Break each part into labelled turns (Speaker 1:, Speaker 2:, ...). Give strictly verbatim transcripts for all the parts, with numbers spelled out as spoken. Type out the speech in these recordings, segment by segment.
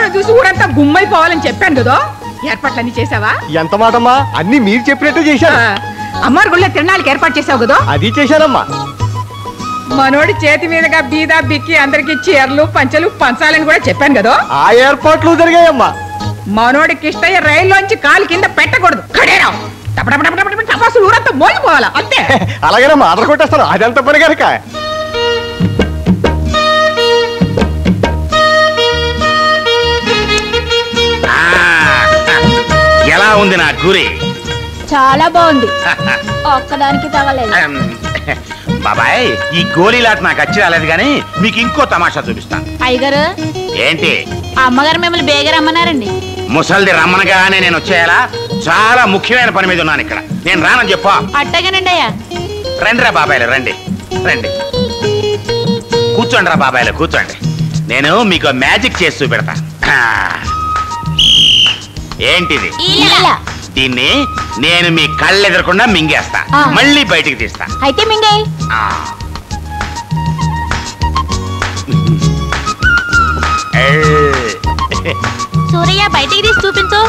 Speaker 1: మిమ్మల్ని చూసి ఊరంతా గుమ్మైపోవాలని చెప్పాను కదా. ఏర్పాట్లన్నీ చేసావా?
Speaker 2: ఎంత మాటమ్మా, అన్ని మీరు చెప్పినట్టు చేశాను.
Speaker 1: అమ్మారు గుళ్ళో తిరణాలకి ఏర్పాటు చేసావు కదా.
Speaker 2: అది చేశానమ్మా.
Speaker 1: మనోడి చేతి మీదుగా బీదా బిక్కి అందరికి చీరలు పంచలు పంచాలని కూడా చెప్పాను కదా.
Speaker 2: ఆ ఏర్పాట్లు జరిగాయమ్మా.
Speaker 1: మనోడి కిష్టయ్య రైల్లోంచి కాలు కింద పెట్టకూడదు. కడేరావు టపాసులు ఊరంతా మోగిపోవాలా అంతే.
Speaker 2: అలాగేనమ్మా, ఆర్డర్ కొట్టేస్తాను. అదంత పని కనుక.
Speaker 3: ఎలా ఉంది నా గురి?
Speaker 4: చాలా బాగుంది. ఒక్కదానికి తగలేదు.
Speaker 3: బాబాయ్, ఈ గోళీలాట నాకు వచ్చి రాలేదు గానీ మీకు ఇంకో తమాషా చూపిస్తాను.
Speaker 4: అయ్యగారు
Speaker 3: ఏంటి?
Speaker 4: అమ్మగారు మిమ్మల్ని బేగ రమ్మన్నారండి.
Speaker 3: ముసల్ది రమ్మనగానే నేను వచ్చేయాలా? చాలా ముఖ్యమైన పని మీద ఉన్నాను ఇక్కడ. నేను రానని చెప్పా.
Speaker 4: అట్టగానండి అయ్యా.
Speaker 3: రండి రా బాబాయ్లు, రండి రండి. కూర్చోండి రా బాబాయ్లు, కూర్చోండి. నేను మీకు మ్యాజిక్ చేసి చూపెడతా. ఏంటిది? దీన్ని నేను మీ కళ్ళు ఎదురకుండా మింగేస్తా, మళ్ళీ బయటికి తీస్తా.
Speaker 4: అయితే మింగే. సూరయ్య బయటికి తీసి చూపించు.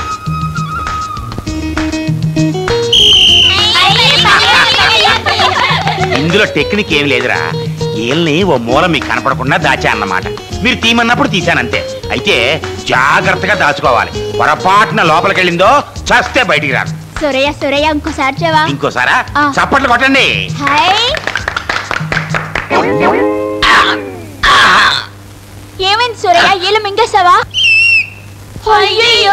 Speaker 3: ఇందులో టెక్నిక్ ఏమి లేదురా. ఏల్ని ఓ మూల మీకు కనపడకుండా దాచా అన్నమాట. మీరు తీమన్నప్పుడు తీశానంతే. అయితే జాగ్రత్తగా దాచుకోవాలి. పొరపాటున లోపలికి వెళ్ళిందో చస్తే బయటికి రాదు.
Speaker 4: సూరయ్య సూరయ్య ఇంకోసారి చెవా.
Speaker 3: ఇంకోసారా? చప్పట్లు కొట్టండి.
Speaker 4: ఏమైంది సూరయ్య? ఏళ్ళు మింగేసావా? అయ్యో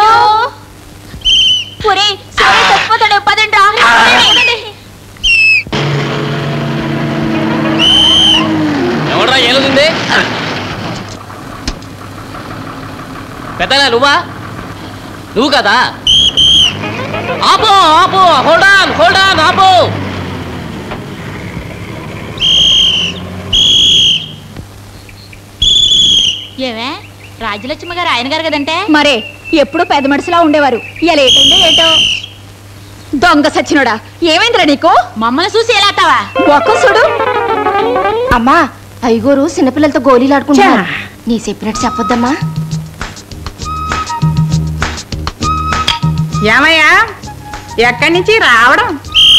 Speaker 4: పురి సూరయ్య తప్పిపోతాడు. పదండి రా.
Speaker 5: ఎవడ్రా ఏలుంది? పెద్దనా నువ్వా? నువ్వు కదా? ఆపో ఆపో, హోల్డ్ ఆన్ హోల్డ్ ఆన్, ఆపో.
Speaker 4: ఏమే రాజ్యలక్ష్మి గారు ఆయన గారు కదంటే?
Speaker 6: మరే ఎప్పుడు పెద్ద మనుషులా ఉండేవారు. ఇలా ఏటైందో ఏటో. దొంగ సచ్చినోడా, ఏమైందిరా నీకు?
Speaker 4: మమ్మల్ని చూసి ఎలా అట్టావా?
Speaker 6: ఒక్క చూడు. అమ్మా, ఐగోరు చిన్నపిల్లలతో గోళీలు ఆడుకుంటున్నారు. నీ చెప్పినట్టు చెప్పొద్దమ్మా.
Speaker 1: ఏమయ్యా, ఎక్కడి నుంచి రావడం?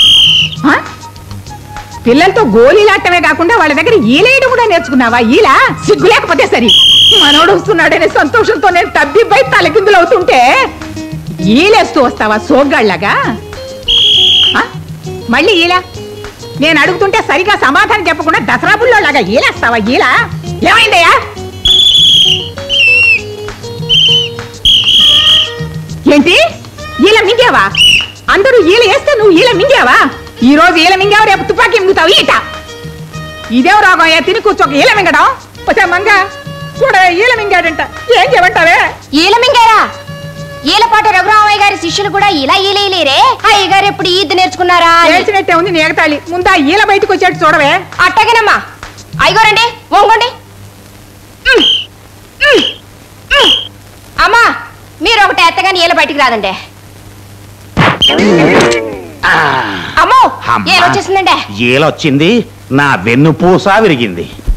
Speaker 1: పిల్లలతో గోళీలాటమే కాకుండా వాళ్ళ దగ్గర ఈలేయడం కూడా నేర్చుకున్నావా? ఈలా సిగ్గు లేకపోతే సరి. మనోడు వస్తున్నాడనే సంతోషంతో నేను తబ్బిబ్బై తలకిందులు అవుతుంటే ఈలేస్తూ వస్తావా సోగ్గాళ్ళగా? మళ్ళీ ఈలా నేను అడుగుతుంటే సరిగా సమాధానం చెప్పకుండా దసరా బుల్లోలాగా ఈలేస్తావా? ఈలా ఏమైందయ్యా? ఏంటి ఈల మింగావా? అందరూ ఈల వేస్తే నువ్వు ఈల మింగావా? ఈ రోజు ఈల మింగావు, రేపు తుపాకీ మింగుతావు. ఈట ఇదేం రోగం అయ్యా? తిని కూర్చోక ఈల మింగడం. వచ్చా మంగ చూడ, ఈల మింగాడంట. ఏం చేయమంటావే?
Speaker 6: ఈల మింగారా? ఈలపాటి రఘురామయ్య గారి శిష్యులు కూడా ఇలా ఈలేరే. అయ్య గారు ఎప్పుడు ఈద్దు నేర్చుకున్నారా?
Speaker 1: నేర్చినట్టే ఉంది నేగతాళి. ముందా ఈల బయటకు వచ్చేట్టు చూడవే.
Speaker 6: అట్టగేనమ్మా. అయ్యగోరండి, వంగండి. అమ్మా, మీరు ఒకటి ఎత్తగాని ఈల బయటికి రాదండి. అమ్మో, ఏలొచ్చేసిందండి.
Speaker 3: ఏలొచ్చింది, నా వెన్నుపూస విరిగింది.